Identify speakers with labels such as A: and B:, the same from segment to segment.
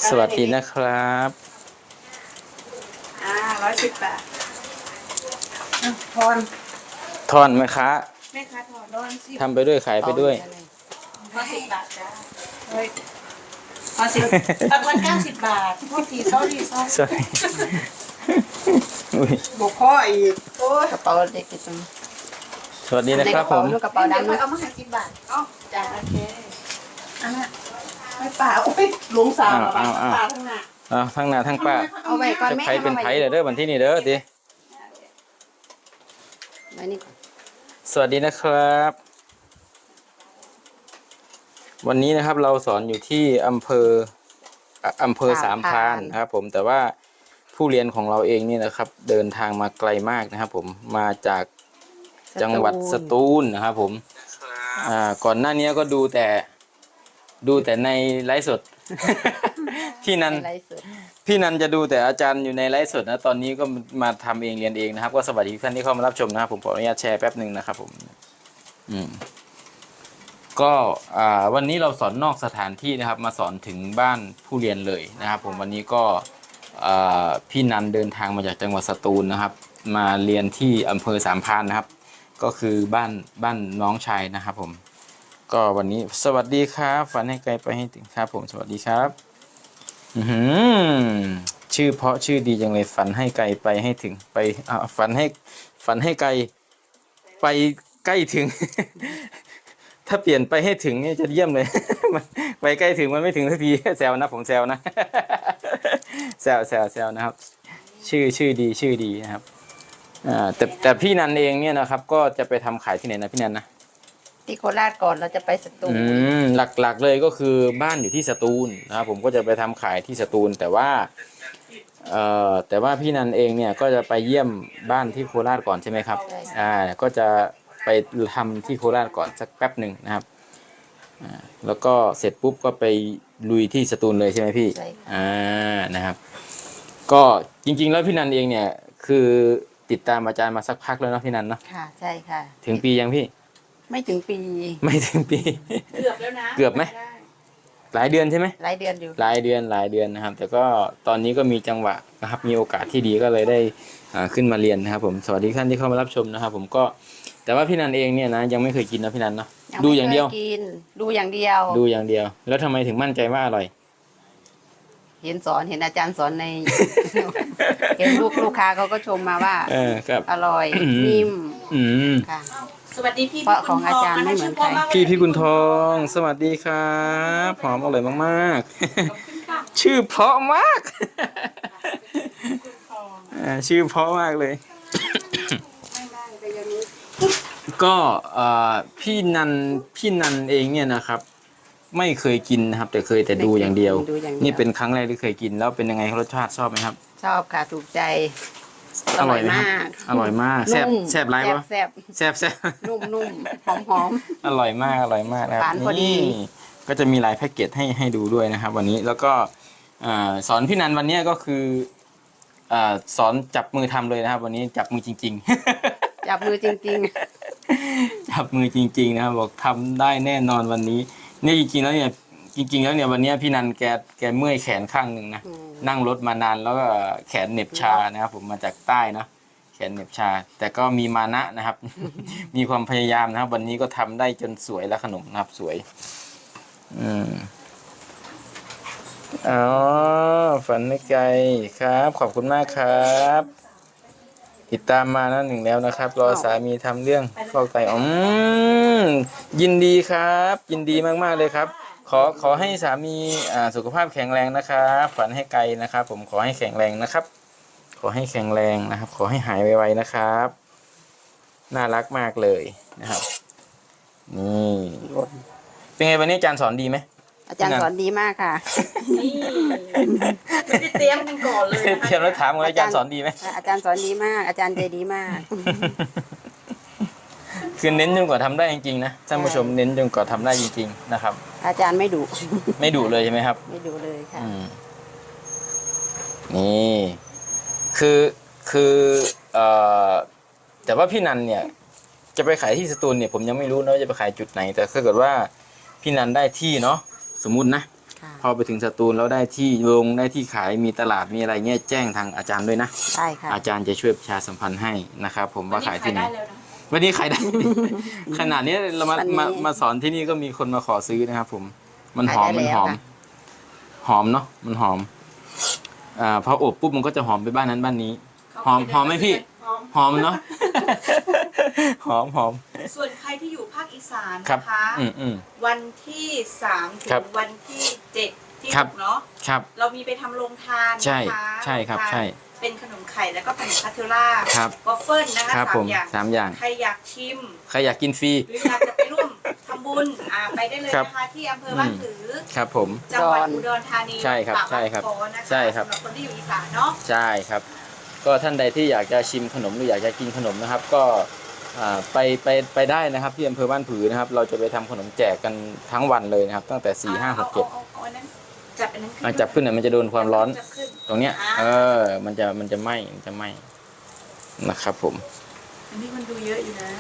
A: สวัสดีนะครับ
B: 110 บาททอน
A: ทอนไหมคะ
B: แม่ค้าทอนร้อนสิ
A: ทำไปด้วยขายไปด้วย
B: ทอน10 บาทจ้าเฮ้ยทอน10 ทอน90 บาทโทษทีsorry
A: สวัสดีอุ๊ย
B: บุกข้ออีกโอ้ย
C: กระเป๋าเด็กกิน
A: สวัสดีนะครับผม
C: กระเป๋าดำ
B: เอามาให้10 บาทอ๋อจ้าโอเคอันน่ะไม่ป่าโอ้ยหลงสาวป่าข้างหน้า
A: ทั้งหน้าทั้งป้า
C: เอาไว้ก่อน
A: จะ
C: แม่
A: ไผเป็นไผเด้อวันที่นี่เด้อดิ
C: ไว้นี่
A: สวัสดีนะครับวันนี้นะครับเราสอนอยู่ที่อำเภอสามพรานนะครับผมแต่ว่าผู้เรียนของเราเองนี่นะครับเดินทางมาไกลมากนะครับผมมาจากจังหวัดสตูลนะครับผมก่อนหน้านี้ก็ดูแต่ในไลฟ์สด พี่นันจะดูแต่อาจารย์อยู่ในไลฟ์สดนะตอนนี้ก็มาทำเองเรียนเองนะครับก็สวัสดีท่านที่เข้ามารับชมนะครับผมขออนุญาตแชร์แป๊บหนึ่งนะครับผมก็วันนี้เราสอนนอกสถานที่นะครับมาสอนถึงบ้านผู้เรียนเลยนะครับผมวันนี้ก็พี่นันเดินทางมาจากจังหวัดสตูลนะครับมาเรียนที่อำเภอสามพรานนะครับก็คือบ้านน้องชายนะครับผมก็วันนี้สวัสดีครับฝันให้ไกลไปให้ถึงครับผมสวัสดีครับชื่อเพราะชื่อดีจังเลยฝันให้ไกลไปให้ถึงไปฝันให้ไกลไปใกล้ถึง ถ้าเปลี่ยนไปให้ถึงเนี่ยจะเยี่ยมเลย ไปใกล้ถึงมันไม่ถึงสักทีแซวนะผมแซวนะ แซวนะครับชื่อดีนะครับแต่พี่นันเองเนี่ยนะครับก็จะไปทำขายที่ไหนนะพี่นันนะ
C: ที่โคราชก่อนเราจะไปสตูล
A: หลักเลยก็คือบ้านอยู่ที่สตูลนะครับผมก็จะไปทำขายที่สตูลแต่ว่าพี่นันเองเนี่ยก็จะไปเยี่ยมบ้านที่โคราชก่อนใช่ไหมครับก็จะไปทำที่โคราชก่อนสักแป๊บหนึ่งนะครับแล้วก็เสร็จปุ๊บก็ไปลุยที่สตูลเลยใช่ไหมพี่นะครับก็จริงๆแล้วพี่นันเองเนี่ยคือติดตามอาจารย์มาสักพักแล้วเนาะพี่นันเนาะ
C: ค่ะใช่ค่ะ
A: ถึงปียังพี่
C: ไม่ถึงปี
B: เกือบแล้วนะ
A: เกือบไหมหลายเดือนใช่ไหม
C: หลายเดือนอยู่
A: หลายเดือนนะครับแต่ก็ตอนนี้ก็มีจังหวะนะครับมีโอกาสที่ดีก็เลยได้ขึ้นมาเรียนนะครับผมสวัสดีท่านที่เข้ามารับชมนะครับผมก็แต่ว่าพี่นันเองเนี่ยนะยังไม่เคยกินนะพี่นันเนาะดูอย่างเดียว
C: ดูอย่างเดียว
A: แล้วทำไมถึงมั่นใจว่าอร่อย
C: เห็นอาจารย์สอนใน เห็นลูกค้าเขาก็ชมมาว่าอร่อยนิ่มค่ะ
B: สวัสดีพี่
C: ของอาจารย์ไม่เหมือนใคร
A: พี่กุณทองสวัสดีครับหอมอร่อยมากๆชื่อเพราะมากชื่อเพราะมากเลยก็พี่นันเองเนี่ยนะครับไม่เคยกินนะครับแต่เคยแต่ดูอย่างเดียวนี่เป็นครั้งแรกที่เคยกินแล้วเป็นยังไงรสชาติชอบไหมครับ
C: ชอบค่ะถูกใจ
A: อร่อยมากแซ่บไรปะแซ่บ
C: นุ่มหอม
A: อร่อยมากนะครับนี่ก็จะมีลายแพ็กเกจให้ดูด้วยนะครับวันนี้แล้วก็สอนพี่นันวันนี้ก็คือสอนจับมือทำเลยนะครับวันนี้จับมือจริงๆ
C: จับมือจริง
A: จับมือจริงๆนะครับบอกทำได้แน่นอนวันนี้เนี่ยจริงๆแล้วเนี่ยวันนี้พี่นันแกเมื่อยแขนข้างหนึ่งนะนั่งรถมานานแล้วก็แขนเหน็บชานะครับผมมาจากใต้เนาะแขนเหน็บชาแต่ก็มีมานะนะครับ มีความพยายามนะครับวันนี้ก็ทำได้จนสวยแล้วขนมนะครับสวยฝันไม่ไกลครับขอบคุณมากครับติดตามมา1แล้วนะครับรอสามีทำเรื่องฟอกไตยินดีครับยินดีมากๆเลยครับขอให้สามีสุขภาพแข็งแรงนะครับฝันให้ไกลนะครับผมขอให้แข็งแรงนะครับขอให้แข็งแรงนะครับขอให้หายไวๆนะครับน่ารักมากเลยนะครับนี่เป็นไงวันนี้อาจารย์สอนดีไหม
C: อาจารย์สอนดีมากค่ะ
B: ไม่ได้เตรียมกันก่อนเลย
A: เตรียมแล้วถามว่าอาจารย์สอนดีไหม
C: อาจารย์สอนดีมากอาจารย์ใจดีมาก
A: คือเน้นจนกว่าทำได้จริงๆนะท่านผู้ชมเน้นจนกว่าทำได้จริงๆนะครับ
C: อาจารย์ไม่ดุ
A: เลยใช่ไหมครับ
C: ไม่ดุเลยค่ะ
A: นี่คือแต่ว่าพี่นันเนี่ยจะไปขายที่สตูลเนี่ยผมยังไม่รู้นะว่าจะไปขายจุดไหนแต่ถ้าเกิดว่าพี่นันได้ที่เนาะสมมุตินะ
C: ค่ะ
A: พอไปถึงสตูลแล้วได้ที่ลงได้ที่ขายมีตลาดมีอะไรเงี้ยแจ้งทางอาจารย์ด้วยนะ
C: ได้ค่ะ
A: อาจารย์จะช่วยประชาสัมพันธ์ให้นะครับผมว่าขายที่ไหน
B: ได้แล้วนะ
A: วันนี้ขายได้ ขนาดนี้เรามา
C: วันนี้
A: มาสอนที่นี่ก็มีคนมาขอซื้อนะครับผมมันหอม
C: ขายได้
A: มันหอม
C: แล้วค่ะ
A: หอมเนาะมันหอมพออบปุ๊บมันก็จะหอมไปบ้านนั้นบ้านนี้ หอมไหมพี่ หอมเนาะ หอม
B: ส่วนใครที่อยู่ภาคอีสาน
A: ครับ
B: นะคะ วันที่3ถึ
A: ครับ
B: งวันที่7ที่
A: ครับ
B: 6เนาะ
A: ครับ
B: เรามีไปทำโรงทาน
A: ใช่
B: นะคะ
A: ใช่ครับ
B: โงทาน
A: ใช่
B: เป็นขนมไข่แล้วก็ขนมคาเทลล่า
A: ครับ
B: วอฟเฟิลนะคะ
A: ครับผม
B: 3 อย่าง
A: 3 อย่าง
B: ใครอยากชิม
A: ใครอยากกินฟรี
B: หรืออยากจะไปร่วมทำบุญไปได้เลย
A: ครับ
B: นะคะที่อำเภอบ้านผือ
A: ครับผม
B: จังหวัดอุดรธานี
A: ใช่ครับ
B: ปาก
A: ใช่ครับ
B: น้ำโขนะคะ
A: ใช่ครับ
B: สำหรับคนที่อยู่อีสานเนาะ
A: ใช่ครับ ก็ท่านใดที่อยากจะชิมขนมหรืออยากจะกินขนมนะครับ ก็ไปได้นะครับที่อำเภอบ้านผือนะครับ เราจะไปทำขนมแจกกันทั้งวันเลยนะครับ ตั้งแต่4 5 6 7
B: เอาอันนั้นจับอันนั้นขึ้น
A: จับขึ้นเนี่ยมันจะโดนความร้อน
B: จับขึ้น
A: ตรงเนี้ยมันจะไหม้นะครับผม
B: อันนี้มันดูเยอะอยู่นะ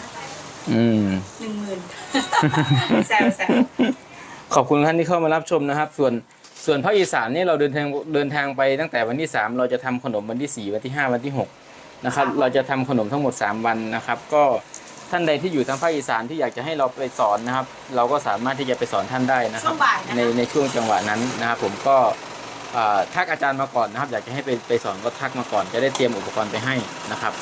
B: 10,000 แซว
A: ขอบคุณท่านที่เข้ามารับชมนะครับ ส่วนภาคอีสานนี่เราเดินทางไปตั้งแต่วันที่3เราจะทำขนมวันที่4วันที่5วันที่6นะครับเราจะทำขนมทั้งหมด3วันนะครับก็ท่านใดที่อยู่ทางภาคอีสานที่อยากจะให้เราไปสอนนะครับ เราก็สามารถที่จะไปสอนท่านได้นะค
B: ช่
A: รั
B: ว
A: บ
B: งบ่ายนะคะ
A: ในช่วงจังหวะนั้นนะครับผมก็ทักอาจารย์มาก่อนนะครับ อยากจะให้ไปสอนก็ทักมาก่อนจะได้เตรียมอุปกรณ์ไปให้นะครับ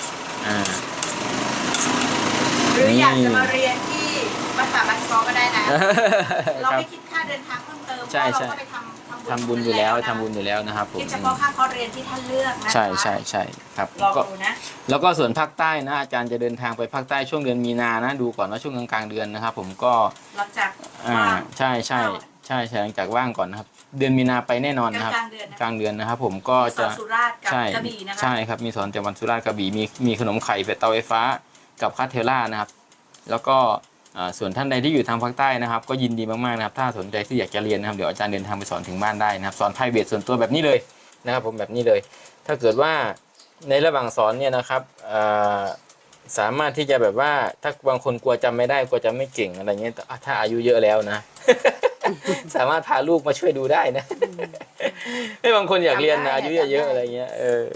B: หรืออยากจะมาเรียนที่วัดป่าบ้านคอก็ได้นะ เรา
A: ครับ
B: ไม่คิดค่าเดินทางเพิ่มเติมเพ
A: ใช่
B: ราะ
A: ใช่
B: เราก็ไปทำ
A: ทำบุญอยู่แล้วนะครับผม
B: คิดเฉพาะค่าคอร์สเรียนที่ท่านเลือกนะคะ
A: ใช่ครับ
B: ลอง
A: ก็
B: ดูนะ
A: แล้วก็ส่วนภาคใต้นะอาจารย์จะเดินทางไปภาคใต้ช่วงเดือนมีนานะดูก่อนว่าช่วงกลางๆเดือนนะครับ ผมก็
B: หลังจาก
A: ใช่หลังจากว่างก่อนนะครับ เดือนมีนาไปแน่นอนนะครับ
B: กลางเดือนนะ
A: กลางเดือนนะครับ ผมก็
B: สอ
A: จะ
B: นสุราษฎร์กับ
A: ใช่
B: กระบี่นะคะ
A: ใช่ครับมีสอนจังหวัดสุราษฎร์กระบี่มีขนมไข่เป็ดเตาไฟฟ้ากับคาเทลล่านะครับ แล้วก็ส่วนท่านใดที่อยู่ทางภาคใต้นะครับ ก็ยินดีมากๆนะครับ ถ้าสนใจที่อยากจะเรียนนะครับเดี๋ยวอาจารย์เดินทางไปสอนถึงบ้านได้นะครับ สอนไพรเวทส่วนตัวแบบนี้เลยนะครับ ผมแบบนี้เลย ถ้าเกิดว่าในระหว่างสอนเนี่ยนะครับสามารถที่จะแบบว่าถ้าบางคนกลัวจำไม่ได้กลัวจำไม่เก่งอะไรเงี้ยถ้าอายุเยอะแล้วนะ สามารถพาลูกมาช่วยดูได้นะให้บางคนอยากเรียนนะอายุเยอะๆอะไรเงี้ย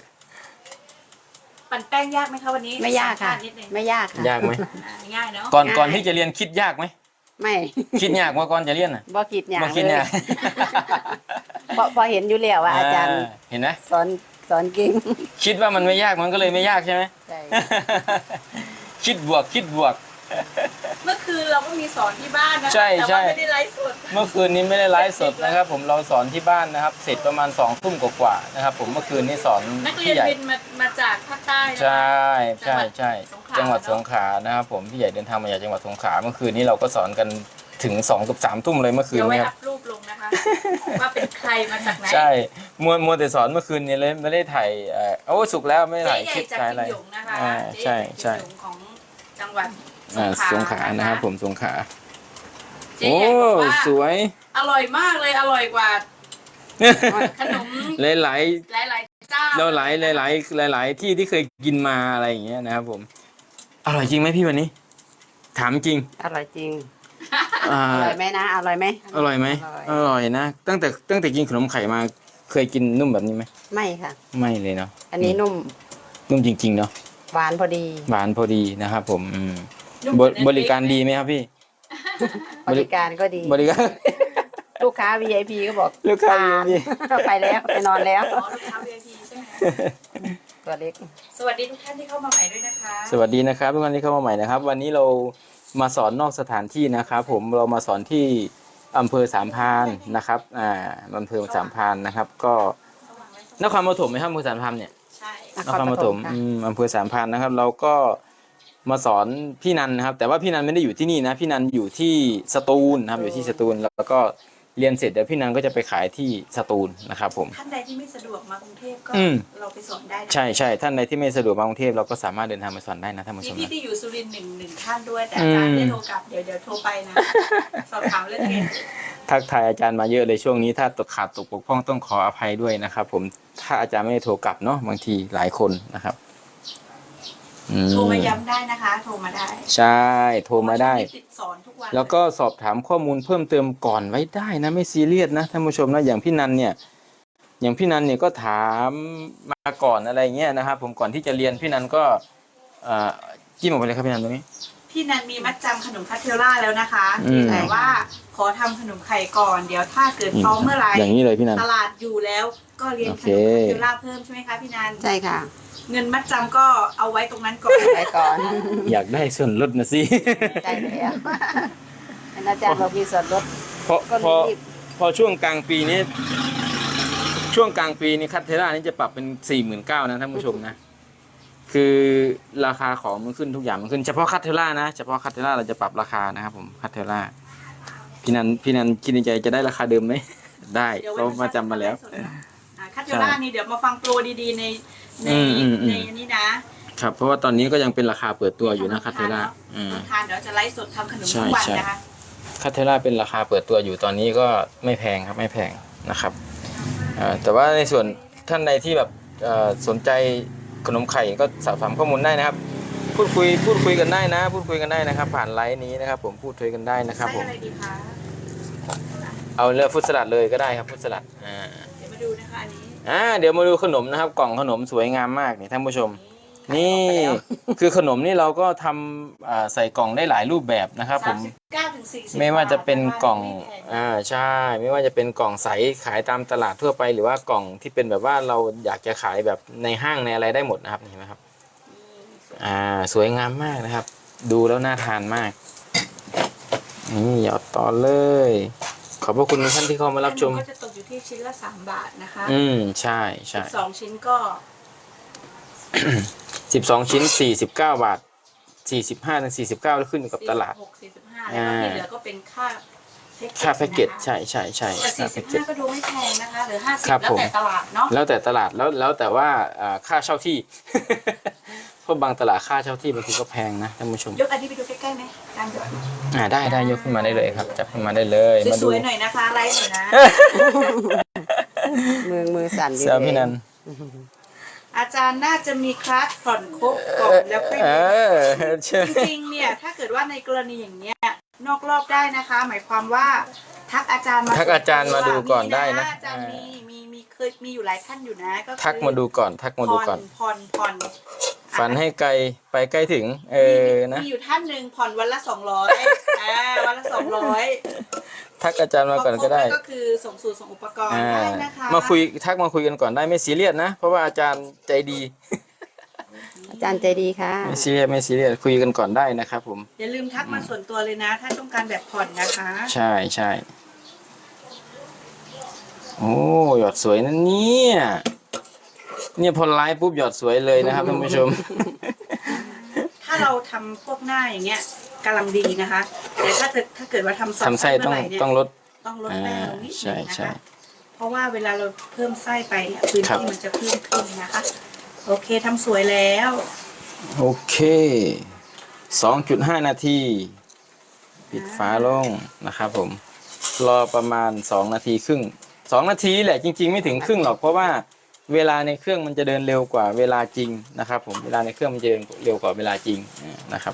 B: ปั่นแป้งยากไหมคะวันนี้
C: ไม่ยากค่ะ
B: สัมภษณ์นิดนึง
C: ไม่ยากค่ะ
A: ยากไหม
B: ง่ายเนาะ
A: ก่อนที่จะเรียนคิดยากไหม
C: ไม่
A: คิดยากว่าก่อนจะเรียนอ่ะ
C: บ่คิดอย่าง
A: บ่คิด
C: เลย
A: ยาก
C: พอเห็นอยู่แล้วว่าอาจารย์
A: เห็นไหม
C: สอนเก่ง
A: คิดว่ามันไม่ยากมันก็เลยไม่ยากใช่ไหม
C: ใช่
A: คิดบวก
B: เมื่อคืนเราก็มีสอนที่บ้านนะ
A: ใช่
B: แต่
A: ใช่
B: ว่าไม่ได้ไลฟ์สด
A: เมื่อคืนนี้ไม่ได้ไลฟ์สดนะครับ ผมเราสอนที่บ้านนะครับ เสร็จประมาณ2 ทุ่มกว่าๆนะครับ ผมเมื่อคืนนี้สอน
B: นักเรีย
A: พี่
B: น
A: ใหญ่
B: บินมาจากภาคใต้นะคะ
A: ใช่
B: จั
A: จัง
B: ง
A: ห
B: หวั
A: วัด
B: ด
A: ส
B: ส
A: ง
B: ง
A: ข
B: ข
A: ลา
B: ลา
A: นะครับผมพี่ใหญ่เดินทางมาจากจังหวัดสงขลาเมื่อคืนนี้เราก็สอนกันถึง2 กับ 3 ทุ่มเลยเมื่อคืน
B: เดี๋ยวไว้
A: นี้ค
B: อั
A: รับ
B: พรูปลงนะคะ ว่าเป็นใครมาจากไหน
A: ใช่มัวแต่สอนเมื่อคืนนี้เลยไม่ได้ถ่ายโอ้สุกแล้วไม่ได้
B: เจ๊
A: ถ่าย
B: ให
A: ค
B: ญ่
A: ลิป
B: จาก
A: ถ่าย
B: กิ
A: อะไร
B: มหยงนะคะ
A: ใช่
B: เจ๊ใหญ่จากกิมหยงของจังหวัด
A: สงขลานะครับผมสงขลา
B: เจ๊
A: โอ้
B: ใหญ่บอกว่า
A: สวย
B: อร่อยมากเลยอร่อยกว่าขนม
A: หลาย
B: หลายๆเจ้า
A: ๆเราหลายที่ที่เคยกินมาอะไรอย่างเงี้ยนะครับผมอร่อยจริงไหมพี่วันนี้ ถามจริง
C: อร่อยจริง
A: อ่า
C: อร่อยไหมนะอร่อยไหม
A: อร่อยไหมอร่อยนะตั้งแต่กินขนมไข่มาเคยกินนุ่มแบบนี้ไหม
C: ไม่ค่ะ
A: ไม่เลยเนาะ
C: อันนี้นุ่ม
A: นุ่มจริงๆเนาะ
C: หวานพอดี
A: หวานพอดีนะครับผม
B: นุ่ม
A: บริการดีไหมครับพี่
C: บริการก็ดี
A: บริการ
C: ลูกค้า VIP ก็บอก
A: ลูกค้า VIP
C: ไปแล้วไปนอนแล้ว
B: อ๋อลูกค้า VIP ใช่ไหม
C: ตัวเล็ก
B: สวัสดีทุกท่านที่เข้ามาใหม่ด้วยนะคะ
A: สวัสดีนะครับทุกท่านที่เข้ามาใหม่นะครับ วันนี้เรามาสอนนอกสถานที่นะครับ ผมเรามาสอนที่อำเภอสามพรานนะครับอำเภอสามพรานนะครับ ก็นครปฐมไหมครับอำเภอสามพรานเนี่ย
B: ใช่
A: นครปฐมอำเภอสามพรานนะครับ เราก็มาสอนพี่นันนะครับ แต่ว่าพี่นันไม่ได้อยู่ที่นี่นะพี่นันอยู่ที่สตูลนะครับอยู่ที่สตูลแล้วก็เรียนเสร็จเดี๋ยวพี่นันก็จะไปขายที่สตูลนะครับผม
B: ท่านใดที่ไม่สะดวกมากรุงเทพก็ เราไปสอนได้นะ
A: ใช่ท่านใดที่ไม่สะดวกมากรุงเทพเราก็สามารถเดินทางมาสอนได้นะท่านผู้ช
B: มี
A: ม
B: พี่
A: นะ
B: ที่อยู่สุรินทร์หนึ่งท่านด้วยแต่อาจารย์ไม่ได้โทรกลับเดี๋ยวโทรไปนะ สอบถามเรื่องเรียน
A: ทักทายอาจารย์มาเยอะเลยช่วงนี้ถ้าตกขาดตกบกพร่องต้องขออภัยด้วยนะครับผมถ้าอาจารย์ไม่ได้โทรกลับเนาะบางทีหลายคนนะครับ
B: โทรมาย้ำได้นะคะ โทรมาได้
A: ใช่โทรมาได้
B: ติดสอนทุกวัน
A: แล้วก็สอบถามข้อมูลเพิ่มเติมก่อนไว้ได้นะไม่ซีเรียสนะท่านผู้ชมนะอย่างพี่นันเนี่ยก็ถามมาก่อนอะไรเงี้ยนะครับผมก่อนที่จะเรียนพี่นันก็จิ้มออกไปเลยครับพี่นันตรงนี้
B: พี่นันมีมัดจำขนมคัตเทลล่าแล้วนะคะ
A: อืม
B: แต่ว่าขอทำขนมไข่ก่อนเดี๋ยวถ้าเกิดพร้อมเมื่อไหร่
A: อย่างนี้เลยพี่นัน
B: ตลาดอยู่แล้วก็เรียน
A: โอ
B: ข
A: เค
B: นมคัตเทลล่าเพิ่มใช่ไหมคะพี่นัน
C: ใช่ค่ะ
B: เงินมัดจำก็เอาไว้ตรงนั้นก่อน
C: ไปก่อน
A: อยากได้ส่วนลดนะสิ
C: ใช่แล้วเห็นอาจารย์บอกมีส่วนลด
A: พอ
C: ก็
A: พอ
C: รีบ
A: พอช่วงกลางปีนี้คัตเทล่านี่จะปรับเป็น 49,000นะท่านผู้ชมนะคือราคาของมันขึ้นทุกอย่างมันขึ้นเฉพาะคัตเทล่านะเฉพาะคัตเทล่าเราจะปรับราคานะครับผมคัตเทล่าพี่นันคิดในใจจะได้ราคาเดิมไหม ได้
B: เดี๋ยว
A: เรามาจำมาแล้ว
B: คัตเทลล่านี่เดี๋ยวมาฟังโปรดีๆใน
A: อืม
B: อันนี้นะครับ
A: เพราะว่าตอนนี้ก็ยังเป็นราคาเปิดตัวอยู่นะคัตเทล่า
B: ทานเดี๋ยวจะไลฟ์สดทำขนมทุกวัน
A: ใช่
B: นะคะ
A: คัตเทล่าเป็นราคาเปิดตัวอยู่ตอนนี้ก็ไม่แพงครับไม่แพงนะครับแต่ว่าในส่วนท่านใดที่แบบสนใจขนมไข่ก็สอบถามข้อมูลได้นะครับพูดคุยกันได้นะพูดคุยกันได้นะครับ ผ่านไลน์นี้นะครับผมพูดคุยกันได้นะครับ
B: ไส้
A: ผม
B: อะไรดีคะ
A: เอาเลือกฟุตสลัดเลยก็ได้ครับฟุตสลัด
B: เดี๋ยวมาดูนะคะอันนี้
A: เดี๋ยวมาดูขนมนะครับกล่องขนมสวยงามมากนี่ท่านผู้ชมนี่คือขนมนี่เราก็ทำใส่กล่องได้หลายรูปแบบนะครับผม
B: 39 ถึง 40
A: ไม่ว่าจะเป็นกล่อง
B: ไม่แพง
A: ใช่ไม่ว่าจะเป็นกล่องใสขายตามตลาดทั่วไปหรือว่ากล่องที่เป็นแบบว่าเราอยากจะขายแบบในห้างในอะไรได้หมดนะครับเห็นไหมครับสวยงามมากนะครับ ดูแล้วน่าทานมากนี่หยอดต่อเลยขอบพระคุณท่านที่เข้ามารับชม
B: ก็จะตกอยู่ที่ชิ้นละ3 บาทนะคะ
A: ใช่ใช่
B: 12 ชิ้นก็
A: 12 ชิ้น49 บาท45ถึง49แล้วขึ้นอยู่กับตลาด
B: 46 45แล้วก็ที่เหลือก็เป็นค่า
A: ค่าแพ็กเกจใช่
B: แต่
A: ค่าแพ็กเกจ
B: 45ก็ดูไม่แพงนะคะหรือ
A: ครับ
B: 50แล้วแต่ตลาดเนาะ
A: แล้วแต่ตลาดแล้วแต่ว่าค่าเช่าที่ เพราะบางตลาดค่าเช่าที่บางทีก็แพงนะท่านผู้ชม
B: ยกอันนี้ไปดูใกล้ๆไหมตามยก
A: ได้ยกขึ้นมาได้เลยครับจับขึ้นมาได้เลยมา
B: ส
A: ดู
B: วยๆหน่อยนะคะไลฟ์หน่อยนะ
C: มือสั่นอยู่
A: เซลพี่นัน
B: อาจารย์น่าจะมีคลาสผ่อนครบก่อนแล้วค่อย
A: ใช่
B: จริงๆเนี่ยถ้าเกิดว่าในกรณีอย่างเนี้ยนอกรอบได้นะคะ หมายความว่าทักอาจารย์มา
A: ทักอาจารย์มาดูก่อนได้นะ
B: อาจารย์มีเคยมีอยู่หลายท่านอยู่นะก็คือ
A: ทักมาดูก่อน
B: ผ่อน
A: ฝันให้ไกลไปใกล้ถึงนะ
B: มีอยู่ท่านหนึ่งผ่อนวันละ200วันละ200
A: ทักอาจารย์มาก่อนก็ได้
B: ก็คือส่งสูตรส่งอุปกรณ์ได้นะคะ
A: มาคุยกันก่อนได้ไม่ซีเรียสนะเพราะว่าอาจารย์ใจดี
C: อาจารย์ใจดีค่ะ
A: ไม่ซีเรียสคุยกันก่อนได้นะครับผม
B: อย่าลืมทักมาส่วนตัวเลยนะ ถ้าต้องการแบบผ่อนนะคะ
A: ใช่โอ้หยอดสวยนะเนี่ยพอไลฟ์ปุ๊บหยอดสวยเลยนะครับท่านผู้ชม
B: ถ้าเราทำพวกหน้าอย่างเงี้ยกำลังดีนะคะแต่ถ้าเกิดว่าทำ
A: ทำไส้ต้อง
B: เมื่ไหร่เนี่ย
A: ต้องลด
B: ต้องลดแป้งลงนิดนึง
A: ใช่
B: นะคะเพราะว่าเวลาเราเพิ่มไส้ไปเนี่ยพื้น
A: ครับ
B: ที่มันจะเพิ่มขึ้นนะคะโอเคทำสวยแล้ว
A: โอเค 2.5 นาทีปิดฝาลงนะครับผมรอประมาณ2 นาทีครึ่ง2 นาทีแหละจริงๆไม่ถึงครึ่งหรอกเพราะว่าเวลาในเครื่องมันจะเดินเร็วกว่าเวลาจริงนะครับผมเวลาในเครื่องมันจะเดินเร็วกว่าเวลาจริงนะครับ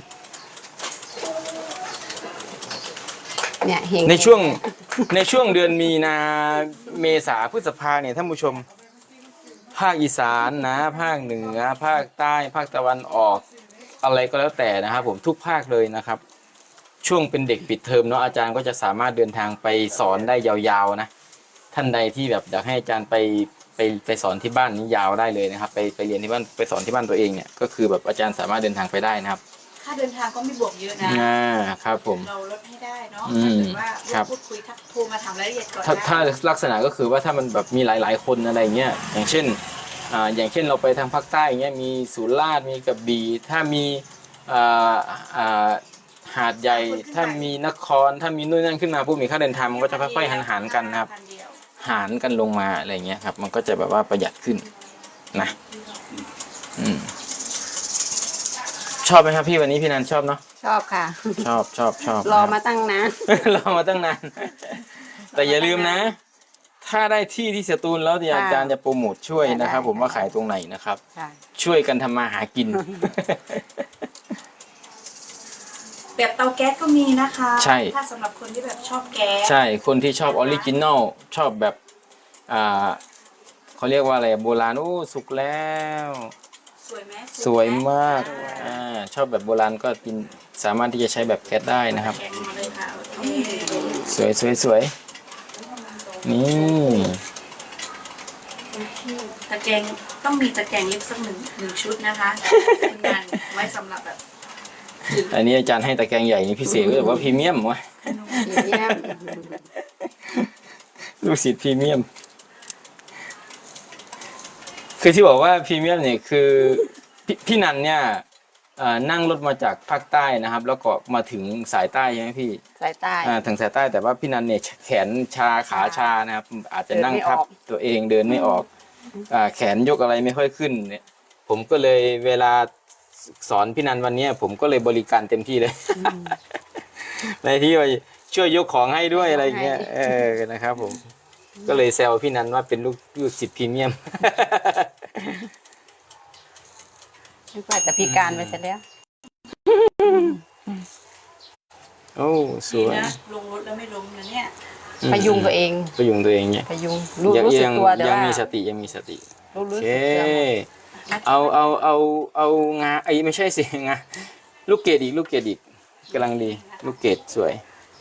C: เนี่ยเฮง
A: ในช่วงเดือนมีนาเมษาพฤษภาเนี่ยท่านผู้ชมภาคอีสานนะภาคเหนือภาคใต้ภาคตะวันออกอะไรก็แล้วแต่นะครับผมทุกภาคเลยนะครับช่วงเป็นเด็กปิดเทอมเนาะอาจารย์ก็จะสามารถเดินทางไปสอนได้ยาวๆนะท่านใดที่แบบอยากให้อาจารย์ไปสอนที่บ้านนี้ยาวได้เลยนะครับไปเรียนที่บ้านไปสอนที่บ้านตัวเองเนี่ยก็คือแบบอาจารย์สามารถเดินทางไปได้นะครับ
B: ค่าเดินทางก็ไม่บวกเยอะนะครับ
A: ผม
B: เราลดให้ได้เนาะถ้าเกิดว่าเราพูดคุยทักโทรมาถามรายละเอียดก่อน
A: ถ้าลักษณะก็คือว่าถ้ามันแบบมีหลายๆคนอะไรเงี้ยอย่างเช่นเราไปทางภาคใต้อย่างเงี้ยมีสุราษฎร์มีกระบี่ถ้ามีหาดใหญ่ถ้ามีนครถ้ามีนู่นนั่นขึ้นมาปุ๊บมีค่าเดินทางมันก็จะค่อยๆหารกันนะครับหารกันลงมาอะไรเงี้ยครับมันก็จะแบบว่าประหยัดขึ้นนะชอบไหมครับพี่วันนี้พี่นันชอบเนาะ
C: ชอบค่ะ
A: ชอบ
C: รอมาตั้งนาน
A: รอมาตั้งนานแต่อย่าลืมนะถ้าได้ที่สตูลแล้วเนี่ยอาจารย์จะโปรโมทช่วยนะครับ ผมว่าขายตรงไหนนะครับ ช่วยกันทำมาหากิน
B: แบบเตาแก๊สก็มีนะคะ
A: ใช่
B: ถ้าสำหรับคนที่แบบชอบแก๊ส
A: ใช่คนที่ชอบออริจินอลชอบแบบเขาเรียกว่าอะไรโบราณโอ้สุกแล้ว
B: สวยไหม
A: สวยมากชอบแบบโบราณก็กินสามารถที่จะใช้แบบแก๊สได้นะครับ
B: แกงมาเลยค่ะโอเค
A: สวยนี่
B: ตะแกรงต้องมีตะแกรงเล็กสักหนึ่งชุดนะคะคุณงานไว้สำหรับแบบ
A: อันนี้อาจารย์ให้ตะแกรงใหญ่นี่พิเศษก็แบบว่าพรีเมียมวะ ลูกศิษย์พรีเมียมคือที่บอกว่าพรีเมียมเนี่ยคือพี่นันเนี่ยนั่งรถมาจากภาคใต้นะครับ แล้วก็มาถึงสายใต้ใช่ไหมพี่
C: สายใต้
A: ถึงสายใต้แต่ว่าพี่นันเนี่ยแขนชาขาชานะครับอาจจะนั่งทับตัวเองเดินไม่ออกแขนยกอะไรไม่ค่อยขึ้นเนี่ยผมก็เลยเวลาสอนพี่นันวันนี้ผมก็เลยบริการเต็มที่เลย ในที่ว่าช่วยยกของให้ด้วยอะไรอย่างเงี้ยนะครับผมก็เลยแซวพี่นันว่าเป็นลูกศิษย์พรีเมียม
C: นึกว่าจะพิการไปซะแล้ว
A: โอ้สวย
B: นะลงรถแล้วไม่ล้มนะเนี่ย
C: พยุงตัวเอง
A: พยุงตัวเองเนี่ย
C: พยุงรู้สึกตัวแต่
A: ยัง
C: ว่า
A: มีสติยังมีสติ
C: รู้
A: โอ
C: สึก
A: เค
C: ตัว
A: เอางาไอ้ไม่ใช่สิงาลูกเกดอีกกำลังดีลูกเกดสวย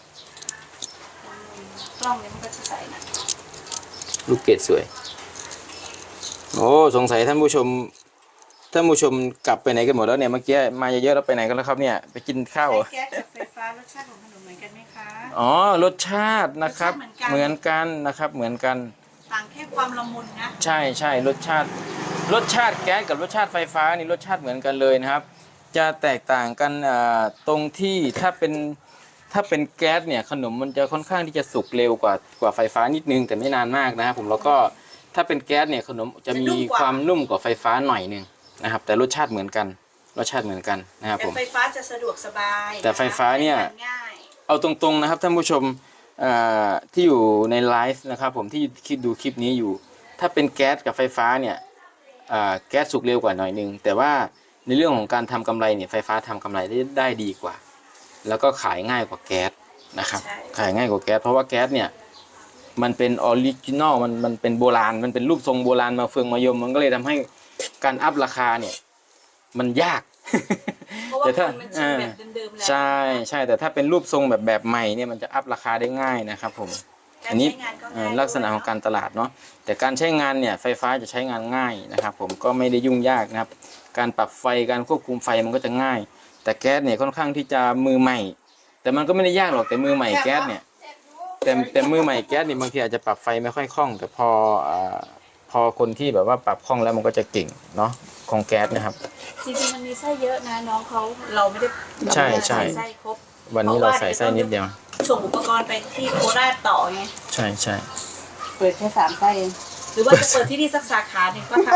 B: กล้องเนี่ยมันก็จะใส่นะ
A: ลูกเกดสวยโอ้สงสัยท่านผู้ชมกลับไปไหนกันหมดแล้วเนี่ยเมื่อกี้มาเยอะๆแล้วไปไหนกันแล้วครับเนี่ยไปกินข้าวเหรอ
B: แก๊สกับไฟฟ้ารสชาติของขนมเหมือนกันไหมคะ
A: อ๋อรสชาตินะครับเหมือนกันนะครับเหมือนกัน
B: ต่างแค่ความละมุนนะ
A: ใช่รสชาติแก๊สกับรสชาติไฟฟ้านี่รสชาติเหมือนกันเลยนะครับ จะแตกต่างกันตรงที่ถ้าเป็นแก๊สเนี่ยขนมมันจะค่อนข้างที่จะสุกเร็วกว่าไฟฟ้านิดนึงแต่ไม่นานมากนะครับผมแล้วก็ถ้าเป็นแก๊สเนี่ยขนมจะมีความนุ่มกว่าไฟฟ้าหน่อยนึงนะครับแต่รสชาติเหมือนกันนะครับ
B: แต่
A: ผม
B: ไฟฟ้าจะสะดวกสบาย
A: แต่ไฟฟ้าเนี่ย
B: ง่าย
A: เอาตรงๆนะครับท่านผู้ชมที่อยู่ในไลฟ์นะครับผมที่คิดดูคลิปนี้อยู่ถ้าเป็นแก๊สกับไฟฟ้าเนี่ยแก๊สสุกเร็วกว่าหน่อยนึงแต่ว่าในเรื่องของการทำกำไรเนี่ยไฟฟ้าทำกำไรได้ดีกว่าแล้วก็ขายง่ายกว่าแก๊สนะครับขายง่ายกว่าแก๊สเพราะว่าแก๊สเนี่ยมันเป็นออริจินอลมันเป็นโบราณมันเป็นรูปทรงโบราณมาเฟืองมายมมันก็เลยทำให้การอัพราคาเนี่ยมันยาก
B: เพราะว่าคนมันชิมแบบเดิมๆแล้ว
A: ใช่แต่ถ้าเป็นรูปทรงแบบใหม่เนี่ยมันจะอัพราคาได้ง่ายนะครับผมอันนี้ลักษณะของการตลาดเนาะแต่การใช้งานเนี่ยไฟฟ้าจะใช้งานง่ายนะครับผมก็ไม่ได้ยุ่งยากนะครับการปรับไฟการควบคุมไฟมันก็จะง่ายแต่แก๊สเนี่ยค่อนข้างที่จะมือใหม่แต่มันก็ไม่ได้ยากหรอกแต่มือใหม่แก๊สเนี่ยแต่มือใหม่แก๊สนี่บางทีอาจจะปรับไฟไม่ค่อยคล่องแต่พอคนที่แบบว่าปรับคล่องแล้วมันก็จะเก่งเนาะของแก๊สนะครับ
B: จริงๆมันมีไส้เยอะนะน้องเขาเราไม่ได้
A: ใช่
B: ใส่ไส้ครบ
A: วันนี้เราใส่ไส้นิดเดียว
B: ส่งอุปกรณ์ไปที่โคราชต่อไง
A: ใช่
C: เปิดแค่3 ไส้เอง
B: หรือว่าจะเปิดที่นี่สักสาขาหนึ่งก็ท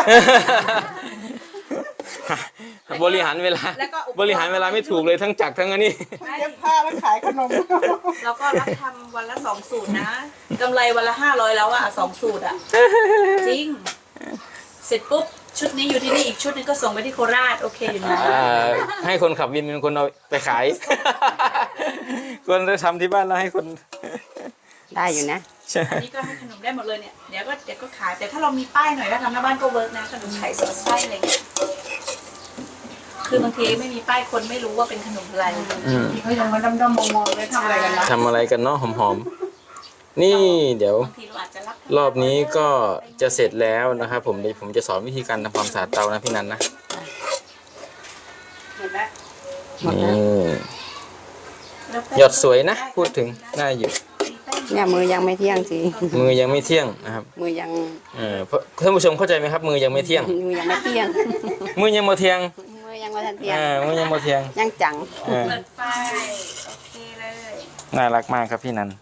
A: บริหารเวลาไม่ถูกเลยทั้งจักรทั้งอันนี้
B: ำ
D: เย็บผ้าแล้วขายขนม
B: แล้วก็รับทำวันละ2 สูตรนะกำไรวันละ500แล้วอะ2 สูตรอะจริงเสร็จปุ๊บชุดนี้อยู่ที่นี่อีกชุดนึงก็ส่งไปที่โคราชโอเคอยู่นะ
A: ให้คนขับวินเป็นคนเอาไปขาย คนจะทำที่บ้านแล้วให้คน
C: ได้อยู่นะ
A: ใช่
B: อันนี้ก็ให้ขนมได้หมดเลยเนี่ยเดี๋ยวก็ขายแต่ถ้าเรามีป้ายหน่อยถ้าทำหน้าบ้านก็เวิร์กนะขนมไข่สอดไส้อะไรเงี้ยคือบางทีไม่มีป้ายคนไม่รู้ว่าเป็นขนมอะไร
D: เขายังมาดำๆมองๆเลยทำอะไรกันนะ
A: ทำอะไรกันเนาะหอมๆนี่เดี๋ยว
B: บางทีเราอาจจะรับ
A: รอบนี้ก็จะเสร็จแล้วนะครับผมเดี๋ยวผมจะสอนวิธีการทำความสะอาดเตานะพี่นันนะ
B: เห็นไหม
A: นี่หยดสวยนะพูดถึงน่าอยู่
C: เนี่ยมือยังไม่เที่ยงสิ
A: มือยังไม่เที่ยงนะครับ
C: มือยัง
A: เพราะท่านผู้ชมเข้าใจไหมครับ มือยังไม่เที่ยง
C: มือยังไม่เที่ยง
A: มือยังบ่เที่ยง
C: มือยังไม่ทันเที่ยง
A: มือยังบ่เที่ยง
C: ยังจัง
B: เปิดไฟโอเคเลย
A: น่ารักมากครับพี่นัน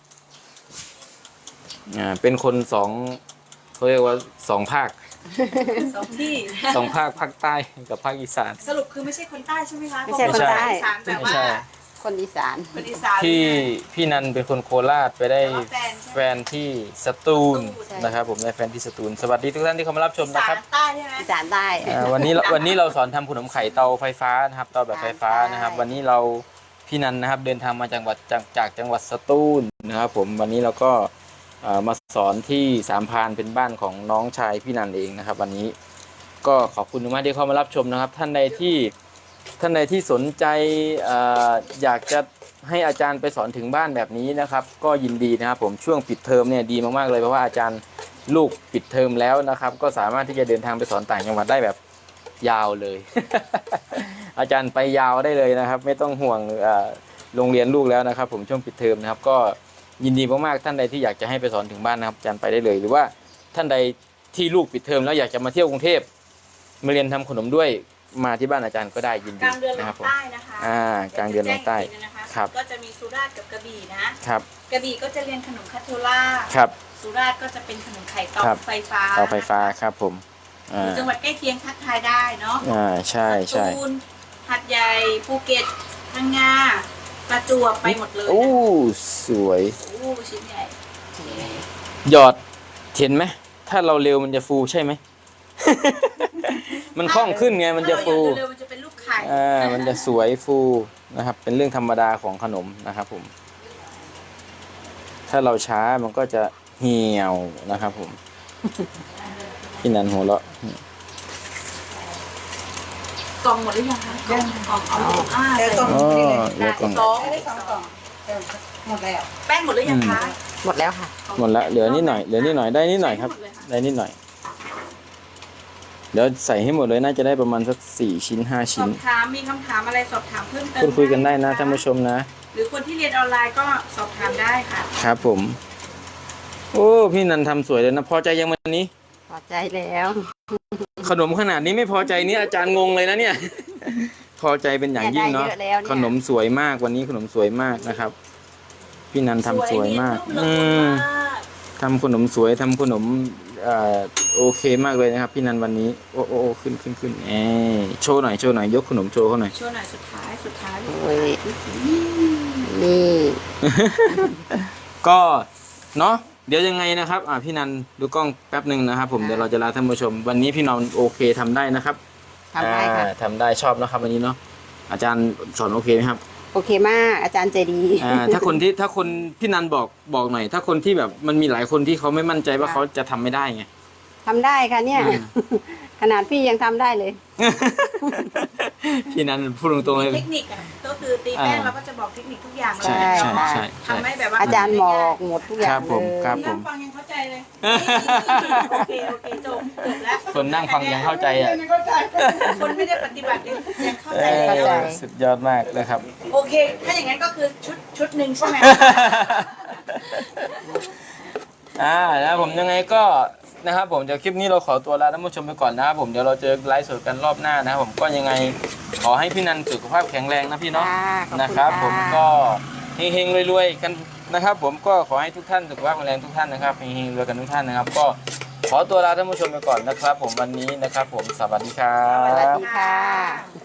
A: เป็นคนเขาเรียกว่า2 ภาค
B: 2 ที่
A: 2 ภาคภาคใต้กับภาคอีสาน
B: สรุปคือไม่ใช่คนใต้ใช่ไหมคะ
C: ไม่ใช่คนใต้
B: อีสานแต่
A: ไม่
B: ว่า
A: ใช่
C: คนอีสาน
B: คนอีสาน
A: พี่นันเป็นคนโคราชไปได้
B: แต่ว่าแฟน
A: แฟนที่สตูล
B: ใช่
A: นะครับผมได้แฟนที่สตูลสวัสดีทุกท่านที่เข้ามารับชม
B: อี
A: นะ
B: สา
A: ครับ
B: นใต้ใช่ไหม
C: อีสานใต้
A: วันนี้เราสอนทำขนมไข่เตาไฟฟ้านะครับเตาแบบไฟฟ้านะครับ
C: ใช่
A: วันนี้เราพี่นันนะครับเดินทางมาจากจังหวัดสตูลนะครับผมวันนี้เราก็มาสอนที่สามพรานเป็นบ้านของน้องชายพี่นันเองนะครับ วันนี้ก็ขอบคุณมากที่เข้ามารับชมนะครับ ท่านใดที่สนใจอยากจะให้อาจารย์ไปสอนถึงบ้านแบบนี้นะครับ ก็ยินดีนะครับผมช่วงปิดเทอมเนี่ยดีมากๆเลยเพราะว่าอาจารย์ลูกปิดเทอมแล้วนะครับ ก็สามารถที่จะเดินทางไปสอนต่างจังหวัดได้แบบยาวเลย อาจารย์ไปยาวได้เลยนะครับ ไม่ต้องห่วงโรงเรียนลูกแล้วนะครับ ผมช่วงปิดเทอมนะครับ ก็ยินดีมากๆท่านใดที่อยากจะให้ไปสอนถึงบ้านนะครับอาจารย์ไปได้เลยหรือว่าท่านใดที่ลูกปิดเทอมแล้วอยากจะมาเที่ยวกรุงเทพมาเรียนทำขนมด้วยมาที่บ้านอาจารย์ก็ได้ยิน
B: ก
A: ดี
B: ลางเดือนล
A: นะครั
B: ง
A: บผม
B: ใต้นะคะ
A: กลางเดือนลงใต้
B: แจ้อีกทีนะคะ
A: ครับ
B: ก็จะมีสุราษฎร์กับกระบี่นะครับ กระบี่ก็จะเรียนขนมคาโทล่า
A: ครับ
B: สุราษฎร์ก็จะเป็นขนมไข่เตา
A: ครับ
B: ไฟฟ้า
A: เตาไฟฟ้าครับผม
B: หรือจังหวัดใกล้เคียงทักทายได้เนาะ
A: ใช่
B: สตูลหัดใหญ่ภูเก็ตพังงาประจวบไปหมดเลย
A: โอ้สวย
B: โอ้ชิ้นใหญ่
A: หยอดเห็นไหมถ้าเราเร็วมันจะฟูใช่ไหม มันคล่องขึ้นไงมันจะฟู
B: ถ้าเราอยากเร็วๆมันจะเป็นลูกไข่
A: มันจะสวยฟูนะครับ เป็นเรื่องธรรมดาของขนมนะครับผม ถ้าเราช้ามันก็จะเหี่ยวนะครับผม พี่นันหัวเราะ
B: กล่องหมดหรือยังคะกล่องเอา
D: เดี๋ยวต้น
A: อ๋อ
D: นี่เลย
A: เดี๋ยวก่อน
B: สอง
D: ได้2 กล่องหมดแล้ว
B: แป้งหมดหรือยังคะ
C: หมดแล้วค่ะ
A: หมดละเหลือนิดหน่อยเหลือนิดหน่อยได้นิดหน่อยครับ ได้นิดหน่อย เดี๋ยวใส่ให้หมดเลยน่าจะได้ประมาณสัก4 ชิ้น 5
B: ส
A: ชิ้
B: อน บถามมีคำถามอะไรสอบถามเพิ่มเติม
A: พูดคุยกันได้นะท่านผู้ชมนะ
B: หรือคนที่เรียนออนไลน์ก็สอบถามได้ค่ะ
A: ครับผม โอ้พี่นันทำสวยเลยนะพอใจยังวันนี้
C: พอใจแล้ว
A: ขนมขนาดนี้ไม่พอใจนี่อาจารย์งงเลยนะเนี่ย พอใจเป็นอย่างยิ่งเนาะ
C: ได้เยอะแล้วเนี่ย
A: ขนมสวยมากวันนี้ขนมสวยมากนะครับ พี่นันทำสวยมาก
B: สวยเนียนนุ่มละมุนมาก
A: ทำขนมสวยทำขนมโอเคมากเลยนะครับ พี่นันวันนี้โอ้ขึ้นโชว์หน่อยยกขนมโชว์เขาหน่อย
B: โชว์หน่อยสุดท้าย
C: โอ้ยนี่
A: ก็เนาะเดี๋ยวยังไงนะครับพี่นันดูกล้องแป๊บหนึ่งนะครับ ผมเดี๋ยวเราจะลาท่านผู้ชม วันนี้พี่นันโอเคทำได้นะครับ
C: ทำได้ค่ะ
A: ทำได้ชอบนะครับวันนี้เนาะอาจารย์สอนโอเคไหมครับ
C: โอเคมากอาจารย์ใจดี
A: ถ้าคนพี่นันบอกหน่อย ถ้าคนที่แบบมันมีหลายคนที่เขาไม่มั่นใจว่าเขาจะทำไม่ได้ไง
C: ทำได้ค่ะเนี่ย ขนาดพี่ยังทำได้เลย
A: พี่นันพูดตรงๆเลย
B: เทคนิคอ่ะก็คือตีแป้งเราก็จะบอกเทคนิคทุกอย่างเลย
A: ใช่
C: ใช่
B: ทำให้แบบว่า
C: อาจารย์บอกหมดทุกอย่า
A: ครั
C: ง
A: บ
C: เล
A: ผม
C: ย
A: ครับผม
B: นั่งฟังยังเข้าใจเลย โอเคจบแล้ว
A: คนนั่งฟังยังเข้าใจอ่ะ
D: เข้าใจ
B: คนไม่ได้ปฏิบัติยังเข้าใจ
C: เข้าใจ
A: สุดยอดมากนะครับ
B: โอเค ถ้าอย่างนั้นก็คือชุดหนึ่งใช่ไหม
A: นะผมยังไงก็นะครับผมเดี๋ยวคลิปนี้เราขอตัวลาท่านผู้ชมไปก่อนนะครับผมเดี๋ยวเราเจอไลฟ์สดกันรอบหน้านะครับผมก็ยังไงขอให้พี่นันสุขภาพแข็งแรงนะพี่เนาะ
C: ขอบณ
A: นะครับ ผม
C: ะ
A: ก็เฮงๆรวยๆกันนะครับ ผมก็ขอให้ทุกท่านสุขภาพแข็งแรงทุกท่านนะครับเฮงๆรวยกันทุกท่านนะครับ ก็ขอตัวลาท่านผู้ชมไปก่อนนะครับ ผมวันนี้นะครับ ผมสวัสดีครั
C: สวัส
A: บ
C: ดีค่ะ